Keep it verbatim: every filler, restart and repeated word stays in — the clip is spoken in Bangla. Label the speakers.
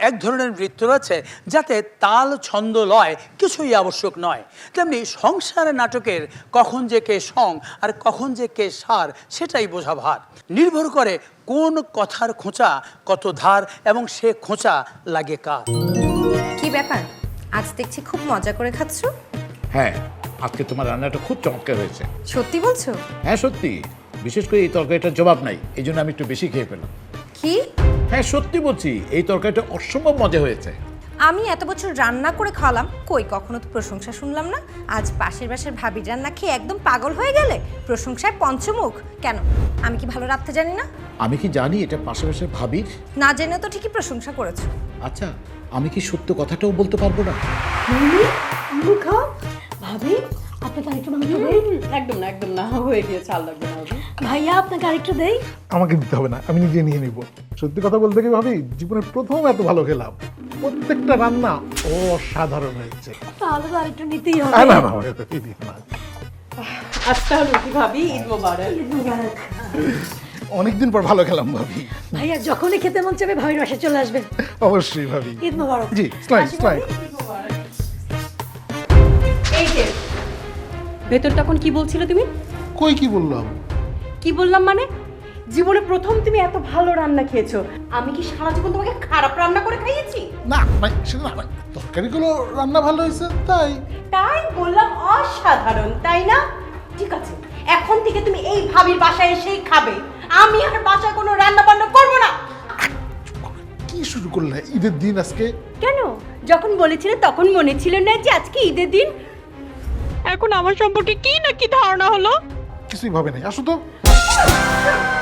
Speaker 1: এক ধরনের নৃত্য রয়েছে যাতে তাল ছন্দ লয় কিছুই আবশ্যক নয়। তেমনি সংসার নাটকের কখন যে কে সং আর কখন যে কে সার সেটাই বোঝা ভার। নির্ভর করে কোন কথার খোঁচা কত ধার এবং সে খোঁচা লাগে কার।
Speaker 2: কি ব্যাপার, আজ দেখছি খুব মজা করে খাচ্ছ?
Speaker 3: হ্যাঁ, আজকে তোমার রান্নাটা খুব চমৎকার হয়েছে।
Speaker 2: সত্যি বলছো?
Speaker 3: হ্যাঁ সত্যি, বিশেষ করে এই তরকারিটার জবাব নাই, এই জন্য আমি একটু বেশি খেয়ে পেলাম।
Speaker 2: কি?
Speaker 3: হ্যাঁ সত্যি বলছি, এই তরকারিটা অসম্ভব মজা হয়েছে।
Speaker 2: আমি এত বছর রান্না করে খাওয়ালাম, কই কখনো তো প্রশংসা শুনলাম না। আজ পাশের বাসার ভাবির রান্না খেয়ে একদম পাগল হয়ে গেলে, প্রশংসায় পঞ্চমুখ। কেন, আমি কি ভালো রাখতে জানি না?
Speaker 3: আমি কি জানি এটা পাশাপাশি ভাবির?
Speaker 2: না জেনে তো ঠিকই প্রশংসা করেছো।
Speaker 3: আচ্ছা, আমি কি সত্য কথাটাও বলতে পারবো না?
Speaker 4: ভাবি আপনাকে আরেকটু মাংস দেই?
Speaker 5: একদম না, একদম না, হয়ে গিয়েছে, আর লাগবে না।
Speaker 4: ভাইয়া আপনাকে আরেকটু দেই?
Speaker 6: আমাকে দিতে হবে না, আমি নিজে নিয়ে নিব। সত্যি কথা বলতে কি ভাবি, জীবনের প্রথম এত ভালো খেলাম। প্রত্যেকটা রান্না অসাধারণ হয়েছে।
Speaker 4: তাহলে তো আরেকটু নিতেই হবে।
Speaker 6: না না না, আমাকে তো দিতে না।
Speaker 5: আচ্ছা হলো কি ভাবি, ঈদ মোবারক।
Speaker 4: ঈদ মোবারক।
Speaker 6: অনেকদিন পর ভালো খেলাম ভাবি।
Speaker 4: ভাইয়া যখনই খেতে মন চাবে ভাবির বাসায় চলে আসবেন।
Speaker 6: অবশ্যই ভাবি।
Speaker 4: ঈদ মোবারক।
Speaker 6: জি, স্লাইড স্লাইড।
Speaker 5: এই যে ভেতর তখন কি বলছিলে তুমি?
Speaker 6: কই কি বললাম?
Speaker 5: কি বললাম মানে? জীবনে প্রথম তুমি এত ভালো রান্না খেয়েছো, আমি কি সারা জীবন তোমাকে খারাপ রান্না করে খাইয়েছি?
Speaker 6: না মানে সেটা না, মানে তরকারিগুলো রান্না ভালো হয়েছে তাই।
Speaker 5: তাই বললাম অসাধারণ, তাই না? ঠিক আছে, এখন থেকে তুমি এই ভাবির বাসায় এসেই খাবে, আমি আর বাসায় কোনো রান্না বান্না করবো না।
Speaker 6: কি শুরু করলে ঈদের দিন আজকে?
Speaker 5: কেন, যখন বলেছিলে তখন মনে ছিল না যে আজকে ঈদের দিন? এখন আমার সম্পর্কে কি না কি ধারণা হলো?
Speaker 6: কিছুই ভাবে নাই, আসো তো।